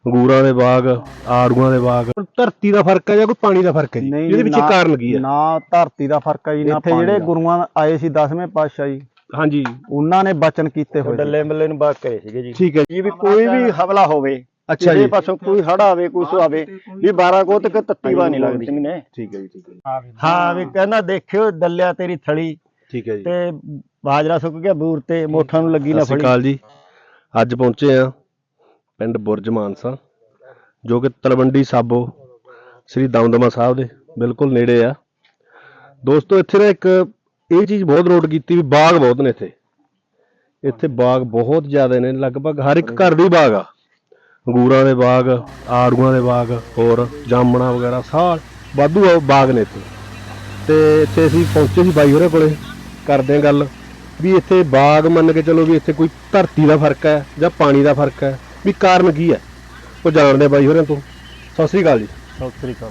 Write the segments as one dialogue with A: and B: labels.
A: ਅੰਗੂਰਾਂ ਦੇ ਬਾਗ, ਆੜੂਆਂ ਦੇ ਬਾਗ। ਧਰਤੀ ਦਾ ਫਰਕ ਹੈ ਜਾਂ ਕੋਈ ਪਾਣੀ ਦਾ ਫਰਕ ਹੈ ਜੀ? ਇਹਦੇ ਪਿੱਛੇ ਕਾਰਨ ਕੀ ਹੈ?
B: ਨਾ ਧਰਤੀ ਦਾ ਫਰਕ ਹੈ ਜੀ, ਨਾ ਪਾਣੀ ਦਾ। ਜਿਹੜੇ ਗੁਰੂਆਂ ਆਏ ਸੀ 10ਵੇਂ ਪਾਤਸ਼ਾਹ ਜੀ,
A: ਹਾਂਜੀ,
B: ਉਹਨਾਂ ਨੇ ਬਚਨ ਕੀਤੇ ਹੋਏ
C: ਡੱਲੇ ਮੱਲੇ ਨੂੰ ਬਾਗ ਕਰੇ ਸੀਗੇ ਜੀ।
A: ਠੀਕ ਹੈ
C: ਜੀ ਵੀ ਕੋਈ ਵੀ ਹਮਲਾ ਹੋਵੇ,
A: ਅੱਛਾ ਜੀ,
C: ਪਾਸੋਂ ਕੋਈ ਹੜਾ ਆਵੇ, ਕੁਛ ਆਵੇ, ਵੀ 12 ਕੋਤਕ ਤੱਤੀ ਵਾ ਨਹੀਂ ਲੱਗਦੀ ਸਿੰਘ ਨੇ।
A: ਠੀਕ ਹੈ ਜੀ, ਠੀਕ ਹੈ ਜੀ,
C: ਹਾਂ ਵੀ ਕਹਿੰਦਾ ਦੇਖਿਓ ਡੱਲਿਆ ਤੇਰੀ ਥਲੀ
A: ਠੀਕ ਹੈ ਜੀ।
C: ਤੇ ਬਾਜਰਾ ਸੁੱਕ ਗਿਆ ਬੂਰ ਤੇ ਮੋਠਾਂ ਨੂੰ ਲੱਗੀ ਨਾ
A: ਸਤਿ ਸ਼੍ਰੀ
C: ਫੜੀ।
A: ਅਕਾਲ ਜੀ। ਅੱਜ ਪਹੁੰਚੇ ਆ ਪਿੰਡ ਬੁਰਜ ਮਾਨਸਾ, ਜੋ ਕਿ ਤਲਵੰਡੀ ਸਾਬੋ ਸ੍ਰੀ ਦਮਦਮਾ ਸਾਹਿਬ ਦੇ ਬਿਲਕੁਲ ਨੇੜੇ ਆ। ਦੋਸਤੋ ਇੱਥੇ ਨਾ ਇੱਕ ਇਹ ਚੀਜ਼ ਬਹੁਤ ਨੋਟ ਕੀਤੀ ਵੀ ਬਾਗ ਬਹੁਤ ਨੇ ਇੱਥੇ ਬਾਗ ਬਹੁਤ ਜ਼ਿਆਦਾ ਨੇ, ਲਗਭਗ ਹਰ ਇੱਕ ਘਰ ਦੇ ਬਾਗ ਆ। ਅੰਗੂਰਾਂ ਦੇ ਬਾਗ, ਆੜੂਆਂ ਦੇ ਬਾਗ, ਹੋਰ ਜਾਮਣਾ ਵਗੈਰਾ ਸਾਰ ਵਾਧੂ ਬਾਗ ਨੇ ਇੱਥੇ। ਤੇ ਇੱਥੇ ਅਸੀਂ ਪਹੁੰਚੇ ਸੀ ਬਾਈ ਹੋਰਾਂ ਕੋਲੇ, ਕਰਦੇ ਆ ਗੱਲ ਵੀ ਇੱਥੇ ਬਾਗ ਮੰਨ ਕੇ ਚਲੋ ਵੀ ਇੱਥੇ ਕੋਈ ਧਰਤੀ ਦਾ ਫਰਕ ਹੈ ਜਾਂ ਪਾਣੀ ਦਾ ਫਰਕ ਹੈ, ਵੀ ਕਾਰਨ ਕੀ ਹੈ ਉਹ ਜਾਣਦੇ ਬਾਈ ਹੋਰਾਂ ਤੋਂ। ਸਤਿ ਸ੍ਰੀ ਅਕਾਲ ਜੀ।
B: ਸਤਿ ਸ੍ਰੀ ਅਕਾਲ।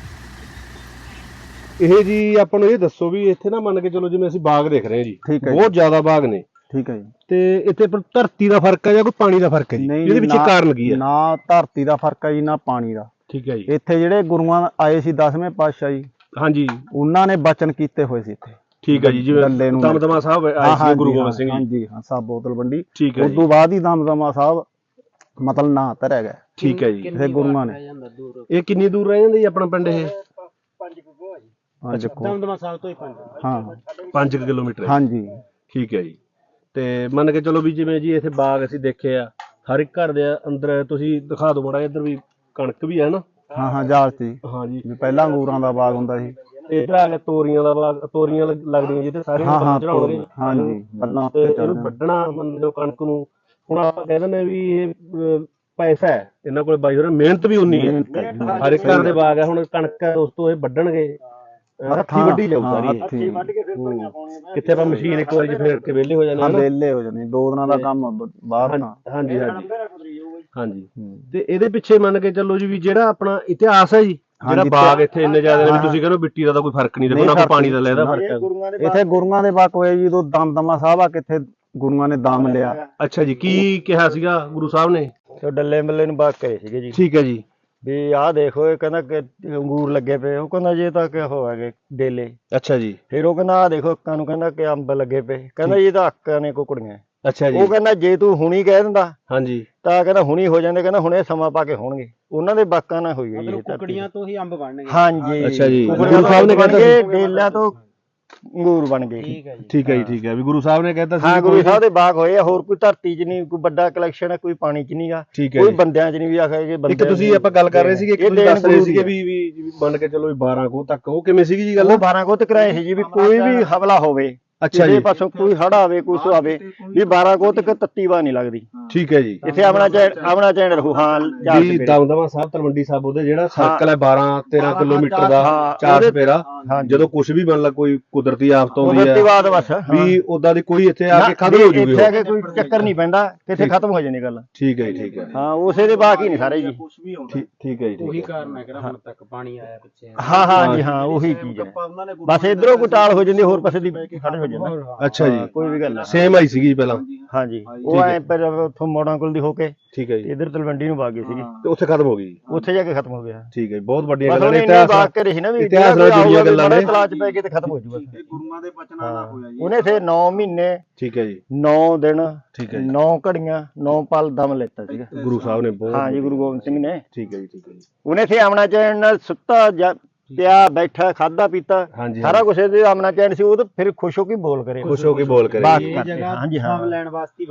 A: ਇਹ ਜੀ ਆਪਾਂ ਨੂੰ ਇਹ ਦੱਸੋ ਵੀ ਇੱਥੇ ਨਾ ਮੰਨ ਕੇ ਚਲੋ ਜਿਵੇਂ ਅਸੀਂ ਬਾਗ ਦੇਖ ਰਹੇ ਹਾਂ ਜੀ,
B: ਠੀਕ ਹੈ,
A: ਬਹੁਤ ਜ਼ਿਆਦਾ ਬਾਗ ਨੇ,
B: ਠੀਕ ਹੈ ਜੀ।
A: ਤੇ ਇੱਥੇ ਪਰ ਧਰਤੀ ਦਾ ਫਰਕ ਹੈ ਜਾਂ ਕੋਈ ਪਾਣੀ ਦਾ ਫਰਕ ਹੈ ਜੀ? ਇਹਦੇ ਪਿੱਛੇ ਕਾਰਨ ਕੀ ਹੈ?
B: ਨਾ ਧਰਤੀ ਦਾ ਫਰਕ ਹੈ ਜੀ, ਨਾ ਪਾਣੀ ਦਾ।
A: ਠੀਕ ਹੈ ਜੀ।
B: ਇੱਥੇ ਜਿਹੜੇ ਗੁਰੂਆਂ ਆਏ ਸੀ 10ਵੇਂ ਪਾਤਸ਼ਾਹ ਜੀ,
A: ਹਾਂਜੀ,
B: ਉਹਨਾਂ ਨੇ ਬਚਨ ਕੀਤੇ ਹੋਏ ਸੀ ਇੱਥੇ।
A: ਠੀਕ ਹੈ ਜੀ, ਜਿਵੇਂ ਦਮਦਮਾ ਸਾਹਿਬ ਆਏ ਸੀ ਗੁਰੂ ਗੋਬਿੰਦ ਸਿੰਘ ਜੀ।
B: ਹਾਂਜੀ ਹਾਂ, ਸਾਬੋ ਤਲਵੰਡੀ।
A: ਠੀਕ ਹੈ
B: ਉਸ ਤੋਂ ਬਾਅਦ ਹੀ ਦਮਦਮਾ ਸਾਹਿਬ ਮਤਲਬ ਨਾਂ ਧਰਿਆ ਗਿਆ।
A: ਠੀਕ ਹੈ ਜੀ।
B: ਇਹ ਗੁਰੂਆਂ ਨੇ।
A: ਇਹ ਕਿੰਨੀ ਦੂਰ ਰਹਿ ਜਾਂਦਾ ਜੀ ਆਪਣਾ ਪਿੰਡ ਇਹ?
B: ਦਮਦਮਾ ਸਾਹਿਬ ਤੋਂ ਹੀ
A: 5 ਕਿਲੋਮੀਟਰ।
B: ਹਾਂਜੀ,
A: ਠੀਕ ਹੈ ਜੀ। ਤੇ ਮੰਨ ਕੇ ਚਲੋ ਵੀ ਜਿਵੇਂ ਜੀ ਇੱਥੇ ਬਾਗ ਅਸੀਂ ਦੇਖੇ ਆ, ਹਰ ਇੱਕ ਘਰ ਦੇ ਅੰਦਰ ਤੁਸੀਂ ਦਿਖਾ ਦਿਓ ਮਾੜਾ ਇੱਧਰ ਵੀ ਕਣਕ ਵੀ ਹੈ ਨਾ।
B: ਹਾਂ ਜਾਲ ਸੀ।
A: ਹਾਂਜੀ,
B: ਵੀ ਪਹਿਲਾਂ ਅੰਗੂਰਾਂ ਦਾ ਬਾਗ ਹੁੰਦਾ ਸੀ।
A: ਇੱਧਰ ਆ ਕੇ ਤੋਰੀਆਂ ਦਾ ਬਾਗ, ਤੋਰੀਆਂ ਲੱਗਦੀਆਂ ਜਿੱਥੇ ਸਾਰੇ ਚੜਾਉਣਗੇ।
B: ਹਾਂਜੀ, ਬੱਲਾਂ
A: ਤੇ ਇਹਨੂੰ ਵੱਢਣਾ ਮੰਨ ਲਓ ਕਣਕ ਨੂੰ। ਹੁਣ ਆਪਾਂ ਕਹਿ ਦਿੰਦੇ ਵੀ ਇਹ ਪੈਸਾ ਹੈ ਇਹਨਾਂ ਕੋਲ, ਬਾਈ ਹੋਰ ਮਿਹਨਤ ਵੀ ਉਨੀ ਹੈ। ਹਰ ਇੱਕ ਘਰ ਦੇ ਬਾਗ ਹੈ। ਹੁਣ ਕਣਕ ਹੈ ਦੋਸਤੋ, ਇਹ ਵੱਢਣਗੇ ਹੱਥੀਂ ਵੱਢੀ ਜਾਊ ਸਾਰੀ। ਕਿੱਥੇ ਆਪਾਂ ਮਸ਼ੀਨ ਇੱਕ ਵਾਰੀ ਫੇਰ ਕੇ ਵਿਹਲੇ ਹੋ ਜਾਂਦੇ,
B: ਵਿਹਲੇ ਹੋ ਜਾਂਦੇ। 2 ਦਿਨਾਂ ਦਾ ਕੰਮ ਬਾਹਰ ਤਾਂ।
A: ਹਾਂਜੀ ਹਾਂਜੀ ਹਾਂਜੀ। ਤੇ ਇਹਦੇ ਪਿੱਛੇ ਮੰਨ ਕੇ ਚੱਲੋ ਜੀ ਵੀ ਜਿਹੜਾ ਆਪਣਾ ਇਤਿਹਾਸ ਹੈ ਜੀ, ਜਿਹੜਾ ਬਾਗ ਇੱਥੇ ਇੰਨੇ ਜ਼ਿਆਦਾ ਨੇ ਵੀ ਤੁਸੀਂ ਕਹਿੰਦੇ ਮਿੱਟੀ ਦਾ ਤਾਂ ਕੋਈ ਫਰਕ ਨਹੀਂ, ਦੇਖੋ ਨਾ ਕੋਈ ਪਾਣੀ ਦਾ ਲੈਦਾ ਫਰਕ ਹੈ।
B: ਇੱਥੇ ਗੁਰੂਆਂ ਦੇ ਬਾਗ ਹੋਏ ਜੀ, ਜਦੋਂ ਦਮਦਮਾ ਸਾਹਿਬ ਆ ਕਿੱਥੇ ਗੁਰੂਆਂ ਨੇ ਦਮ ਲਿਆ।
A: ਅੱਛਾ ਜੀ, ਕੀ ਕਿਹਾ ਸੀਗਾ ਗੁਰੂ ਸਾਹਿਬ ਨੇ?
C: ਤੇ ਡੱਲੇ ਮੱਲੇ ਨੂੰ ਬਾਗ ਕਰੇ ਸੀਗੇ ਜੀ।
A: ਠੀਕ ਹੈ ਜੀ।
C: ਵੀ ਆਹ ਦੇਖੋ, ਇਹ ਕਹਿੰਦਾ ਕਿ ਅੰਗੂਰ ਲੱਗੇ ਪਏ। ਉਹ ਕਹਿੰਦਾ ਜੇ ਤਾਂ ਕਿ ਹੋ ਹੈਗੇ ਡੇਲੇ।
A: ਅੱਛਾ ਜੀ।
C: ਫਿਰ ਉਹ ਕਹਿੰਦਾ ਆਹ ਦੇਖੋ ਅੱਕਾਂ ਨੂੰ, ਕਹਿੰਦਾ ਕਿ ਅੰਬ ਲੱਗੇ ਪਏ। ਕਹਿੰਦਾ ਇਹ ਤਾਂ ਅੱਕਾਂ ਨੇ ਕੁਕੜੀਆਂ।
A: ਅੱਛਾ ਜੀ।
C: ਉਹ ਕਹਿੰਦਾ ਜੇ ਤੂੰ ਹੁਣੀ ਕਹਿ ਦਿੰਦਾ
A: ਹਾਂਜੀ
C: ਤਾਂ ਕਹਿੰਦਾ ਹੁਣੀ ਹੋ ਜਾਂਦੇ, ਕਹਿੰਦਾ ਹੁਣੇ ਸਮਾਂ ਪਾ ਕੇ ਹੋਣਗੇ। ਉਹਨਾਂ ਦੇ ਬਾਕਾਂ ਨਾਲ ਹੋਈ ਹੈ ਜੀ।
B: ਕੁਕੜੀਆਂ ਤੋਂ ਹੀ ਅੰਬ ਬਣਨਗੇ।
C: ਹਾਂਜੀ,
A: ਅੱਛਾ ਜੀ।
C: ਗੁਰੂ ਸਾਹਿਬ ਨੇ ਕਹਿੰਦਾ ਡੇਲਿਆਂ ਤੋਂ ਅੰਗੂਰ ਬਣ ਗਏ।
A: ਠੀਕ ਹੈ ਜੀ, ਠੀਕ ਹੈ। ਵੀ ਗੁਰੂ ਸਾਹਿਬ ਨੇ ਕਹਿੰਦਾ ਸੀ।
C: ਹਾਂ, ਗੁਰੂ ਸਾਹਿਬ ਦੇ ਬਾਗ ਹੋਏ ਆ। ਹੋਰ ਕੋਈ ਧਰਤੀ 'ਚ ਨਹੀਂ ਕੋਈ ਵੱਡਾ ਕਲੈਕਸ਼ਨ ਹੈ, ਕੋਈ ਪਾਣੀ 'ਚ ਨਹੀਂਗਾ, ਕੋਈ ਬੰਦਿਆਂ 'ਚ ਨਹੀਂ। ਵੀ ਆਖਿਆ ਕਿ
A: ਇੱਕ ਤੁਸੀਂ ਆਪਾਂ ਗੱਲ ਕਰ ਰਹੇ ਸੀਗੇ, ਇੱਕ ਤੁਸੀਂ ਦੱਸ ਰਹੇ ਸੀਗੇ ਵੀ ਮੰਨ ਕੇ ਚਲੋ 12 ਕੋਹ ਤੱਕ, ਉਹ ਕਿਵੇਂ ਸੀਗੀ ਜੀ ਗੱਲ?
C: ਉਹ 12 ਕੋਹ ਤੱਕ ਰਾਏ ਸੀ ਜੀ, ਵੀ ਕੋਈ ਵੀ ਹਮਲਾ ਹੋਵੇ,
A: ਅੱਛਾ ਜੀ,
C: ਪਾਸੋਂ ਕੋਈ ਹੜਾ ਆਵੇ, ਕੁਛ ਆਵੇ, ਵੀ 12 ਕੋਹ ਤੱਕ ਤੱਤੀ ਵਾ ਨਹੀਂ ਲੱਗਦੀ।
A: ਠੀਕ ਹੈ ਜੀ।
C: ਇੱਥੇ ਆਪਣਾ ਚੈਨ ਰਹੂ। ਹਾਂ
A: ਜੀ, ਦਮਦਮਾ ਸਾਹਿਬ ਤਲਵੰਡੀ ਸਾਬੋ ਦੇ ਜਿਹੜਾ ਸਰਕਲ ਹੈ 12-13 ਕਿਲੋਮੀਟਰ ਦਾ, 4 ਚੁਫੇਰਾ, ਜਦੋਂ ਕੁਝ ਵੀ ਮੰਨ ਲਾ ਕੋਈ ਕੁਦਰਤੀ ਆਫਤ ਆਉਂਦੀ ਹੈ ਵੀ ਉਦਾਂ ਦੀ ਕੋਈ ਇੱਥੇ ਆ ਕੇ ਖਤਮ ਹੋ ਜੂਗੀ।
C: ਇੱਥੇ ਆ ਕੇ ਕੋਈ ਚੱਕਰ ਨਹੀਂ ਪੈਂਦਾ, ਕਿੱਥੇ ਖਤਮ ਹੋ ਜਾਂਦੀ ਗੱਲ।
A: ਠੀਕ ਹੈ ਜੀ, ਠੀਕ ਹੈ।
C: ਹਾਂ, ਉਸੇ ਦੇ ਬਾਕੀ ਨਹੀਂ ਸਾਰੇ ਜੀ।
A: ਠੀਕ ਹੈ ਜੀ।
B: ਉਹੀ ਕਾਰਨ ਹੈ ਕਿ ਹੁਣ ਤੱਕ ਪਾਣੀ ਆਇਆ ਪਿੱਛੇ।
C: ਹਾਂ ਹਾਂ ਜੀ, ਹਾਂ ਉਹੀ ਚੀਜ਼ ਹੈ। ਬਸ ਇਧਰੋਂ ਕੋਈ ਟਾਲ ਹੋ ਜਾਂਦੀ, ਹੋਰ ਪਾਸੇ ਦੀ ਖੜੇ ਹੋ ਜਾਂਦਾ।
A: ਅੱਛਾ ਜੀ,
C: ਕੋਈ ਵੀ ਗੱਲ
A: ਸੇਮ ਆਈ ਸੀਗੀ ਪਹਿਲਾਂ।
C: ਹਾਂਜੀ, ਉਹ ਐ ਪਰ ਉੱਥੋਂ ਮੋੜਾਂ ਕੋਲ ਦੀ ਹੋ ਕੇ
A: ਠੀਕ ਹੈ ਜੀ,
C: ਇਧਰ ਤਲਵੰਡੀ ਨੂੰ ਵਗ ਗਈ ਸੀਗੀ
A: ਤੇ ਉੱਥੇ ਖਤਮ ਹੋ ਗਈ।
C: ਉੱਥੇ ਜਾ ਕੇ ਖਤਮ ਹੋ ਗਿਆ।
A: ਠੀਕ ਹੈ ਜੀ, ਬਹੁਤ ਵੱਡੀਆਂ ਗੱਲਾਂ ਨੇ।
C: ਇਤਿਹਾਸ ਬਾਗ ਕਰੇ ਸੀ ਨਾ, ਵੀ
A: ਇਤਿਹਾਸ ਨਾਲ ਜੁੜੀਆਂ ਗੱਲਾਂ ਨੇ।
C: ਤਲਾਸ਼ ਪੈ ਕੇ ਤੇ ਖਤਮ ਹੋ ਜੂਗਾ।
B: ਇਹ ਗੁਰੂਆਂ ਦੇ ਬਚਨਾਂ ਨਾਲ ਹੋਇਆ ਜੀ।
C: ਉਹਨੇ ਫਿਰ 9 ਮਹੀਨੇ,
A: ਠੀਕ ਹੈ ਜੀ,
C: 9 ਦਿਨ,
A: ਠੀਕ ਹੈ,
C: 9 ਘੜੀਆਂ, 9 ਪਲ ਦਮ ਲੈਤਾ ਸੀਗਾ
A: ਗੁਰੂ ਸਾਹਿਬ ਨੇ। ਬਹੁਤ
C: ਹਾਂ ਜੀ, ਗੁਰੂ ਗੋਬਿੰਦ ਸਿੰਘ ਨੇ।
A: ਠੀਕ ਹੈ ਜੀ, ਠੀਕ ਹੈ ਜੀ।
C: ਉਹਨੇ ਇੱਥੇ ਆਮਣਾ ਚੈਨ ਨਾਲ ਸੁੱਤਾ ਪਿਆ, ਬੈਠਾ, ਖਾਦਾ ਪੀਤਾ, ਸਾਰਾ ਕੁਝ ਇਹਦੇ ਆਮਣਾ ਚੈਨ ਸੀ। ਉਹ ਤਾਂ ਫਿਰ ਖੁਸ਼ ਹੋ ਕੇ ਬੋਲ ਕਰੇ,
A: ਖੁਸ਼ ਹੋ ਕੇ ਬੋਲ ਕਰੇ।
C: ਹਾਂਜੀ ਹਾਂ, ਦਮ ਲੈਣ ਵਾਸਤੇ।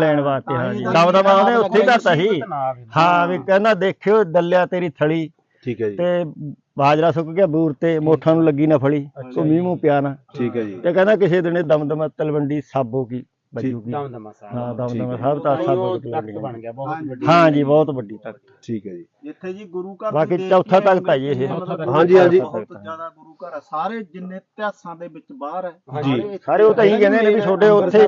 C: ਹਾਂ ਜੀ, ਦਮ ਉਹਨੇ ਉੱਥੇ ਕਰਤਾ ਸੀ। ਹਾਂ ਵੀ ਕਹਿੰਦਾ ਦੇਖਿਓ ਡੱਲਿਆ ਤੇਰੀ ਥਲੀ।
A: ਠੀਕ ਹੈ ਜੀ।
C: ਤੇ ਬਾਜਰਾ ਸੁੱਕ ਗਿਆ ਬੂਰ ਤੇ ਮੋਠਾਂ ਨੂੰ ਲੱਗੀ ਨਾ ਫੜੀ, ਉਹ ਮੀਂਹ ਮੂੰਹ ਪਿਆ ਨਾ।
A: ਠੀਕ ਹੈ ਜੀ।
C: ਤੇ ਕਹਿੰਦਾ ਕਿਸੇ ਦਿਨ ਦਮਦਮਾ ਤਲਵੰਡੀ ਸਾਬੋ ਕੀ ਬਜੂਗੀ।
B: ਦਮਦਮਾ ਸਾਹਿਬ।
C: ਹਾਂ, ਦਮਦਮਾ ਸਾਹਿਬ ਤਾਂ ਸਾਬੋ
B: ਬਣ ਗਿਆ ਬਹੁਤ ਵੱਡੀ।
C: ਹਾਂ ਜੀ, ਬਹੁਤ ਵੱਡੀ ਤਖਤ।
A: ਠੀਕ ਹੈ ਜੀ।
B: ਇੱਥੇ ਜੀ ਗੁਰੂ ਘਰ
C: ਬਾਕੀ ਚੌਥਾ ਤਖਤ ਹੈ ਜੀ ਇਹ।
A: ਹਾਂਜੀ ਹਾਂਜੀ,
B: ਬਹੁਤ ਜ਼ਿਆਦਾ ਗੁਰੂ ਘਰ ਹੈ। ਸਾਰੇ ਜਿੰਨੇ ਇਤਿਹਾਸਾਂ ਦੇ ਵਿੱਚ ਬਾਹਰ ਹੈ
A: ਜੀ,
C: ਸਾਰੇ ਉਹ ਤਾਂ ਹੀ ਕਹਿੰਦੇ ਨੇ ਵੀ ਤੁਹਾਡੇ ਉੱਥੇ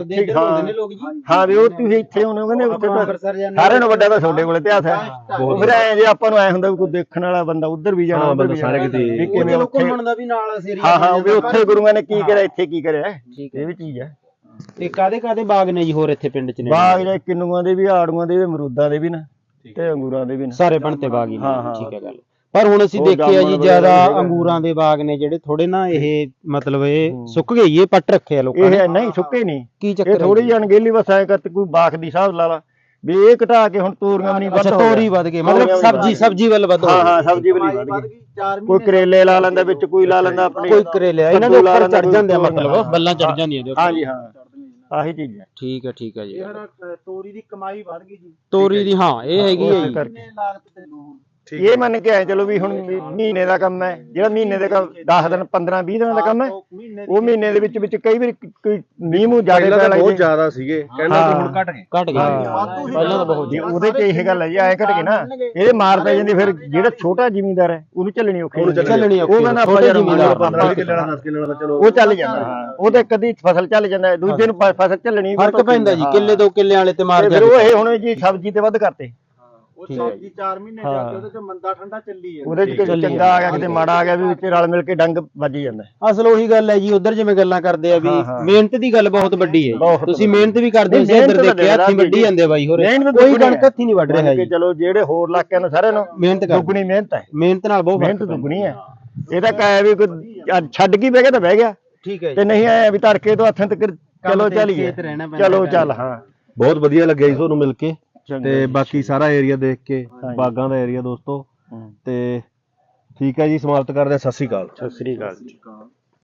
C: ਹਾਂ ਵੀ ਉਹ ਤੁਸੀਂ ਇੱਥੇ ਹੋਣੇ, ਕਹਿੰਦੇ ਉੱਥੇ ਤਾਂ ਸਾਰਿਆਂ ਨੂੰ ਵੱਡਾ ਤਾਂ ਤੁਹਾਡੇ ਕੋਲ ਇਤਿਹਾਸ ਹੈ। ਫਿਰ ਐ ਜੇ ਆਪਾਂ ਨੂੰ ਐ ਹੁੰਦਾ ਵੀ ਕੋਈ ਦੇਖਣ ਵਾਲਾ ਬੰਦਾ ਉੱਧਰ ਵੀ ਜਾਣਾ, ਉੱਧਰ ਵੀ
A: ਸਾਰੇ ਕਿਤੇ
C: ਕਿਵੇਂ
B: ਘੁੰਮਣ ਦਾ ਵੀ ਨਾਲ ਏਰੀਆ।
C: ਹਾਂ ਹਾਂ, ਵੀ ਉੱਥੇ ਗੁਰੂਆਂ ਨੇ ਕੀ ਕਰਿਆ, ਇੱਥੇ ਕੀ ਕਰਿਆ, ਇਹ ਵੀ ਚੀਜ਼ ਹੈ।
B: ਤੇ ਕਾਦੇ ਬਾਗ ਨੇ ਜੀ ਹੋਰ ਇੱਥੇ ਪਿੰਡ ਚ ਨੇ?
C: ਬਾਗ ਜਿਹੜੇ ਕਿੰਨੂਆਂ ਦੇ ਵੀ, ਆੜੂਆਂ ਦੇ ਵੀ, ਅਮਰੂਦਾਂ ਦੇ ਵੀ ਨਾ। ਤੇ ਅੰਗੂਰਾਂ ਦੇ ਵੀ ਨੇ।
D: ਸਾਰੇ ਬਣਤੇ ਬਾਗ ਹੀ ਨੇ
C: ਹਾਂ, ਹਾਂ।
D: ਠੀਕ ਹੈ ਗੱਲ। ਪਰ ਹੁਣ ਅਸੀਂ
C: ਉਹ
D: ਦੇਖਿਆ ਜੀ
C: ਜਾਮਣ
D: ਜ਼ਿਆਦਾ
C: ਵਗੈਰਾ ਵੀ
D: ਅੰਗੂਰਾਂ ਦੇ ਬਾਗ ਨੇ ਜਿਹੜੇ ਥੋੜੇ ਨਾ ਇਹ ਮਤਲਬ ਇਹ ਸੁੱਕ ਗਈ ਇਹ ਪੱਟ ਰੱਖੇ ਆ ਲੋਕਾਂ ਨੇ।
C: ਇਹ ਨਹੀਂ ਸੁੱਕੇ ਨਹੀਂ,
D: ਕੀ
C: ਇਹ
D: ਚੱਕਰ
C: ਥੋੜੀ ਜਿਹੀ ਅਣਗਹਿਲੀ ਬਸ ਐ ਕਰ ਕੋਈ ਬਾਖ ਦੀ ਹਿਸਾਬ ਲਾ ਲਾ ਵੀ ਇਹ ਘਟਾ ਕੇ ਹੁਣ ਤੋਰੀਆਂ ਵੀ ਨਹੀਂ ਵੱਧ
D: ਅੱਛਾ
C: ਹੋ ਗਈਆਂ।
D: ਤੋਰੀ ਵੱਧ ਗਈ ਮਤਲਬ
C: ਤੋਰੀਆਂ ਵੀ
D: ਸਬਜੀ ਵੱਲ ਵੱਧ ਹੋ
C: ਹਾਂ
D: ਗਈ।
C: ਹਾਂ ਸਬਜ਼ੀ ਵਾਲੀ ਵੱਧ ਗਈ। ਕੋਈ ਕਰੇਲੇ ਲਾ ਲੈਂਦਾ ਵਿੱਚ, ਕੋਈ ਲਾ ਲੈਂਦਾ ਆਪਣੇ
D: ਕੋਈ ਕਰੇਲੇ ਆ, ਇਹਨਾਂ ਦੇ
C: ਕੱਦੂ ਲਾ
D: ਉੱਪਰ
C: ਲੈਂਦਾ,
D: ਚੜ ਜਾਂਦੇ ਆ
C: ਕੋਈ
D: ਮਤਲਬ ਬੱਲਾਂ ਚੜ ਜਾਂਦੀਆਂ ਇਹਦੇ ਉੱਪਰ।
C: ਹਾਂਜੀ ਹਾਂ ਆਹੀ ਚੀਜ਼ ਹੈ।
D: ਠੀਕ ਹੈ ਜੀ।
B: ਤੋਰੀ ਦੀ ਕਮਾਈ ਵੱਧ ਗਈ ਜੀ।
D: ਤੋਰੀ ਦੀ ਹਾਂ ਇਹ ਹੈਗੀ ਹੈ
C: ਉਸੇ
D: ਜੀ।
C: ਕਰਕੇ।
B: ਲਾਗਤ ਤੇ ਲੂਣ
C: ਇਹ ਮੰਨ ਕੇ ਆਏ ਚਲੋ ਵੀ ਹੁਣ ਮਹੀਨੇ ਦਾ ਕੰਮ ਹੈ, ਜਿਹੜਾ ਮਹੀਨੇ ਦੇ 10 ਦਿਨ 15 20 ਦਿਨਾਂ ਦਾ ਕੰਮ ਹੈ, ਉਹ ਮਹੀਨੇ ਦੇ ਵਿੱਚ ਕਈ ਵਾਰੀ ਕੋਈ ਮੀਂਹ ਮੂੰਹ ਜ਼ਿਆਦਾ
A: ਪਹਿਲਾਂ
C: ਪੈ
A: ਤਾਂ ਬਹੁਤ
C: ਲੱਗੇ
A: ਜ਼ਿਆਦਾ ਸੀਗੇ ਕਹਿੰਦਾ ਕਿ ਹੁਣ ਘਟ ਗਏ।
D: ਘਟ ਗਈ ਪਹਿਲਾਂ ਤਾਂ ਬਹੁਤ
C: ਜੀ ਉਹਦੇ ਚ ਇਹ ਗੱਲ ਹੈ ਜੀ ਐ ਘਟ ਕੇ ਨਾ ਇਹਦੇ ਮਾਰ ਪੈ ਜਾਂਦੀ, ਫਿਰ ਜਿਹੜਾ ਛੋਟਾ ਜ਼ਿਮੀਂਦਾਰ ਹੈ ਉਹਨੂੰ ਚੱਲਣੀ ਔਖੀ ਹੈ।
D: ਚੱਲਣੀ ਔਖੀ
C: ਉਹ ਕਹਿੰਦਾ
D: ਛੋਟੇ ਜ਼ਿਮੀਂਦਾਰ
A: 15 ਕਿੱਲੇ ਵਾਲਾ 10 ਕਿੱਲੇ ਵਾਲਾ ਚਲੋ
C: ਉਹ ਚੱਲ ਜਾਂਦਾ ਹਾਂ, ਉਹ ਤੇ ਕਦੀ ਫਸਲ ਚੱਲ ਜਾਂਦਾ, ਦੂਜੇ ਨੂੰ ਫਸਲ ਚੱਲਣੀ
D: ਫਰਕ ਪੈਂਦਾ ਜੀ ਕਿੱਲੇ 2 ਕਿੱਲੇ ਵਾਲੇ ਤੇ ਮਾਰ
C: ਫਿਰ ਉਹ ਇਹ ਹੁਣ ਜੀ ਸਬਜ਼ੀ ਤੇ ਵੱਧ ਕਰਤੇ।
B: ਉਹ ਸਬਜ਼ੀ 4 ਮਹੀਨੇ ਜਾ ਕੇ ਉਹਦੇ ਚ ਮੰਦਾ ਠੰਡਾ ਚੱਲੀ ਹੈ।
C: ਉਹਦੇ ਚ ਕਿਤੇ ਚੰਗਾ ਆ ਗਿਆ ਕਿਤੇ ਮਾੜਾ ਆ ਗਿਆ ਵੀ ਵਿੱਚ ਰਲ ਮਿਲ ਕੇ ਡੰਗ ਵੱਜ ਜਾਂਦਾ।
D: ਅਸਲ ਉਹੀ ਗੱਲ ਹੈ ਜੀ ਉਧਰ ਜਿਵੇਂ ਗੱਲਾਂ ਕਰਦੇ ਆ ਵੀ ਮਿਹਨਤ ਦੀ ਗੱਲ ਬਹੁਤ ਵੱਡੀ ਹੈ ਜੀ। ਤੁਸੀਂ ਮਿਹਨਤ ਵੀ ਕਰਦੇ ਹੋ, ਇੱਧਰ ਦੇਖਿਆ ਹੱਥੀਂ ਵੱਢੀ ਜਾਂਦੇ ਬਾਈ ਹੋਰੇ, ਕੋਈ ਕਣਕ ਹੱਥੀਂ ਨਹੀਂ ਵੱਢ ਰਿਹਾ ਜੀ।
C: ਚਲੋ ਜਿਹੜੇ ਹੋਰ ਇਲਾਕਿਆਂ ਨੂੰ ਸਾਰਿਆਂ ਨੂੰ
D: ਮਿਹਨਤ ਕਰ
C: ਦੁੱਗਣੀ ਮਿਹਨਤ ਹੈ,
D: ਮਿਹਨਤ ਨਾਲ ਬਹੁਤ
C: ਮਿਹਨਤ ਦੁੱਗਣੀ ਹੈ। ਇਹ ਤਾਂ ਕਹਿ ਵੀ ਕੋਈ ਛੱਡ ਕੇ ਬਹਿ ਗਿਆ ਤਾਂ ਬਹਿ ਗਿਆ,
D: ਠੀਕ ਹੈ
C: ਤੇ ਨਹੀਂ ਆਇਆ ਵੀ ਤੜਕੇ ਤੋਂ ਹੱਥਾਂ ਤੱਕ ਚਲੋ ਚੱਲੀਏ, ਚਲੋ ਚੱਲ। ਹਾਂ
A: ਬਹੁਤ ਵਧੀਆ ਲੱਗਿਆ ਜੀ ਤੁਹਾਨੂੰ ਮਿਲ ਕੇ, ਤੇ ਬਾਕੀ ਸਾਰਾ ਏਰੀਆ ਦੇਖ ਕੇ, ਬਾਗਾਂ ਦਾ ਏਰੀਆ ਦੋਸਤੋ। ਤੇ ਠੀਕ ਹੈ ਜੀ, ਸਮਾਪਤ ਕਰਦੇ ਹਾਂ। ਸਤਿ ਸ਼੍ਰੀ ਅਕਾਲ।
C: ਸਤਿ ਸ੍ਰੀ ਅਕਾਲ।